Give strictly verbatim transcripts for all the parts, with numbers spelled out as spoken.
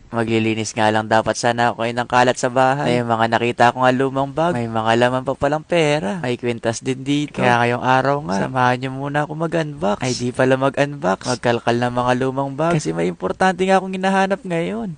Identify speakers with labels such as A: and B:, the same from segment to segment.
A: Maglilinis nga lang dapat sana ako ng kalat sa bahay. May mga nakita ko nga lumang bag. May mga laman pa palang pera. May kwintas din dito. Kaya ngayong araw nga, samahan niyo muna ako mag-unbox. Ay di pala mag-unbox. Magkalkal ng mga lumang bag. Kasi may importante nga akong hinahanap ngayon.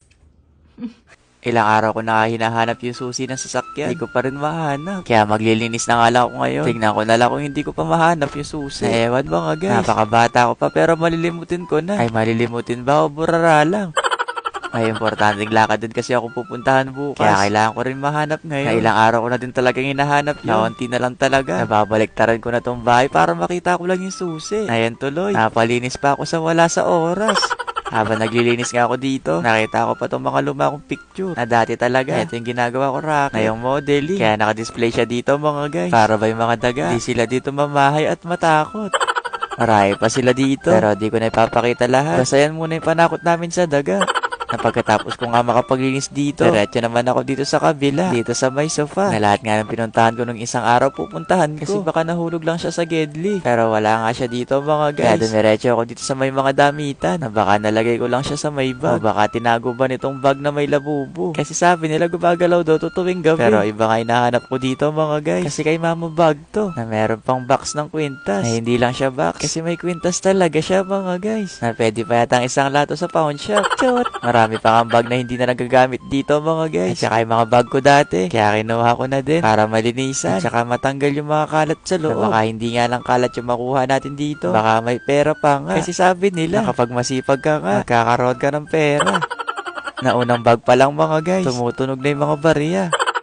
A: Ilang araw ko na hinahanap yung susi ng sasakyan. Hindi ko pa rin mahanap. Kaya maglilinis na nga lang ako ngayon. Tignan ko na lang kung hindi ko pa mahanap yung susi. Na ewan ba nga guys. Napakabata ko pa pero malilimutin ko na. Ay malilimutin ba o burara lang? May importanteng lakad din kasi ako pupuntahan bukas. Kaya kailangan ko rin mahanap ngayon. Na ilang araw ko na din talagang hinahanap yun. Naunti na lang talaga. Nababaliktaran ko na tong bahay para makita ko lang yung susi. Ayan tuloy. Napalinis pa ako sa wala sa oras. Habang naglilinis nga ako dito, nakita ko pa itong mga luma kong picture na dati talaga. Ito yung ginagawa ko racket. Ngayong modeling. Kaya nakadisplay siya dito mga guys. Para ba yung mga daga? Di sila dito mamahay at matakot. Marami pa sila dito. Pero di ko na ipapakita lahat. Basta yan muna yung panakot namin sa daga. Na pagkatapos ko nga makapaglinis dito, diretso naman ako dito sa kabila, dito sa may sofa. Na lahat nga ng pinuntahan ko nung isang araw pupuntahan ko. Kasi baka nahulog lang siya sa Gedli. Pero wala nga siya dito mga guys. Kaya dumiretso ako dito sa may mga damitan. Na baka nalagay ko lang siya sa may bag. O baka tinago ba nitong bag na may labubo. Kasi sabi nila gumagalaw daw to tuwing gabi. Pero iba nga hinahanap ko dito mga guys. Kasi kay mama bag to. Na meron pang box ng kwintas. Na hindi lang siya box. Kasi may kwintas talaga siya mga guys. Na pwede pa yata isang lato sa pawn shop. Chot! Marami pa kang bag na hindi na nagagamit dito mga guys. At saka yung mga bag ko dati. Kaya kinuha ko na din para malinisan. At saka matanggal yung mga kalat sa loob. Na baka hindi nga lang kalat yung makuha natin dito. Baka may pera pa nga. Kasi sabi nila na kapag masipag ka nga, magkakaroon ka ng pera. Na unang bag pa lang mga guys, tumutunog na yung mga bariya.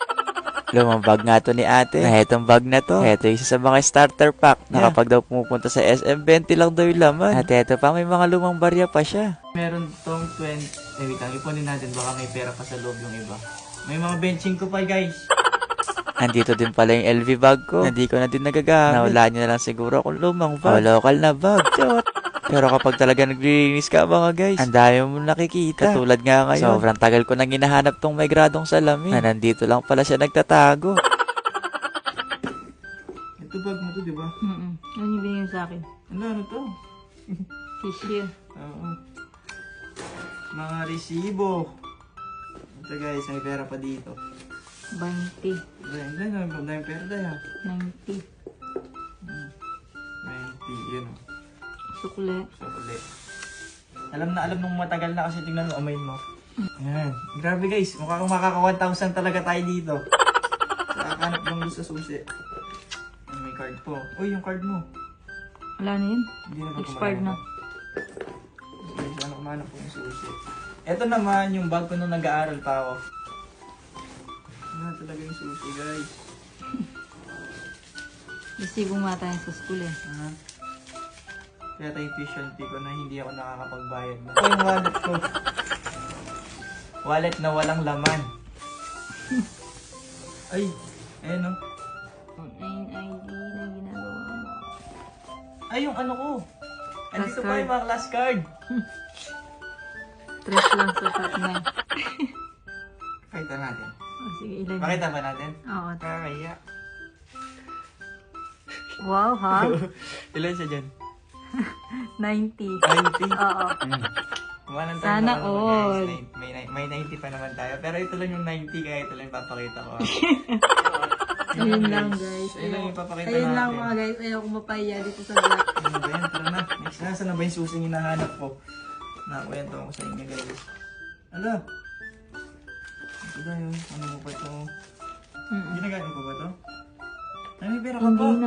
A: Lumang bag nga to ni ate. Na etong bag na to, eto isa sa mga starter pack. Na kapag daw pumupunta sa S M, twenty lang daw yung laman. At eto pa, may mga lumang barya pa siya. Meron tong twenty. Eh, wait lang, ipunin natin. Baka may pera pa sa loob yung iba. May mga benching ko pa guys. Andito din pala yung L V bag ko. Hindi ko na din nagagamit. Nawala nyo na lang siguro kung lumang bag. O local na bag. Chot. Pero kapag talaga naglilinis ka mga guys, ang dami mo nakikita. Katulad nga ngayon, sobrang tagal ko nang hinahanap tong may gradong salamin. Na nandito lang pala siya nagtatago. Ito bag mo to, di ba?
B: Mm-mm. Ano yung binigyan sa akin?
A: Ano, ano to?
B: Tissue.
A: Oo. Mga resibo. Ito guys, may pera pa dito.
B: twenty.
A: Dahil na, ang dami pera dahil ha.
B: ninety.
A: ninety, yun o.
B: Sukle.
A: So, ulit. Alam na alam nung matagal na kasi tingnan mo, amayin mo. Ayan. Grabe guys, mukha kang makaka one thousand talaga tayo dito. Nakakanap lang doon sa susi. Ayan, may card po. Uy, yung card mo.
B: Wala na yun.
A: Hindi na ba
B: Expired na.
A: Guys, ano kumanap po yung susi. Ito naman yung bag ko nung nag-aaral pa ako. Ano talaga yung susi guys.
B: Resibo nga tayo sa school eh.
A: Aha. Kaya tayo tuition fee ko na hindi ako nakakapagbayad na. Ito yung wallet ko. Wallet na walang laman. Ay, ayun o.
B: Online I D na ginagawa mo.
A: Ay, yung ano ko. Andito
B: Class
A: pa
B: card.
A: yung mga class card.
B: Tres lang sa top na.
A: Pakita natin.
B: Oh, sige, ilan.
A: Pakita ba natin?
B: Oo.
A: Kakaya.
B: Wow, ha?
A: Ilan siya dyan?
B: ninety.
A: ninety?
B: Oo.
A: Hmm. Kumanan tayo
B: Sana
A: mga naman,
B: all.
A: guys. May, may, may ninety pa naman tayo. Pero ito lang yung ninety kaya ito lang yung papakita ko.
B: Ayun lang guys.
A: Ayun lang yung papakita
B: Ayun
A: natin.
B: lang mga guys. Ayaw ko mapahiya dito sa vlog.
A: Ano ba yan? Tara na. Next na. Saan na ba yung susing hinahanap ko? Nakakwento ko sa inyo guys. Ala. Ito na yun. Ano mo ba ito?
B: Mm-mm.
A: Ginagamit ko ba ito? Ay, may pera ka
B: Hindi
A: pa.
B: na.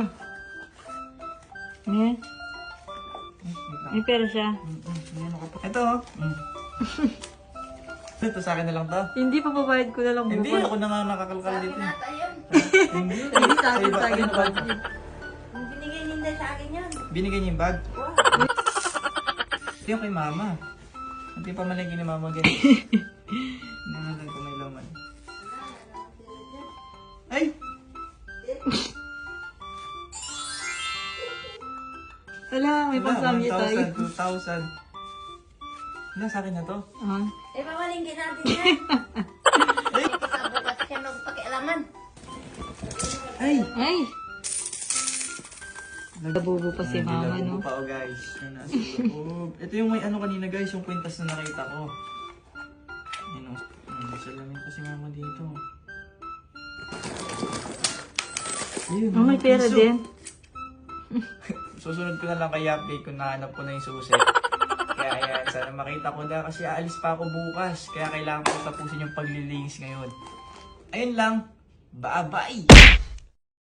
B: Eh?
A: Ay, wait lang.
B: May pera siya.
A: Mm, mm, may ano ka pa. Ito oh. Mm. Ito sa akin na lang to.
B: Hindi pa babayad ko na lang
A: Hindi,
B: bukas.
A: ako na nga nakakalkal dito. eh. Hindi.
B: Hindi sa akin,
A: iba-
B: sa akin
A: ano ba?
B: pa.
C: Binigay ninda sa akin yan.
A: Binigay niya yung bag? Ito yung kay mama. Hindi pa malagay ni mama ganyan. Nangalan ko may laman. Ay!
B: Wala, may pasamya tayo.
A: two thousand. Wala, sa akin na to.
B: Ah.
C: Eh, pamalingkin natin yan.
A: Ay!
C: Sa bukas siya magpakialaman.
A: Ay!
B: Ay! Nabubo pa si mama,
A: Nilabubo
B: no?
A: pa, oh, guys. Ay, nasa loob. Ito yung may ano kanina guys, yung kwintas na nakita ko. Salamin kasi mama dito. Ayun,
B: Oh, may pera
A: piso.
B: din.
A: Susunod ko na lang kay update kung nahanap ko na yung susi. Kaya ayan, sana makita ko na kasi aalis pa ako bukas. Kaya kailangan ko tapusin yung paglilinis ngayon. Ayun lang. Bye-bye!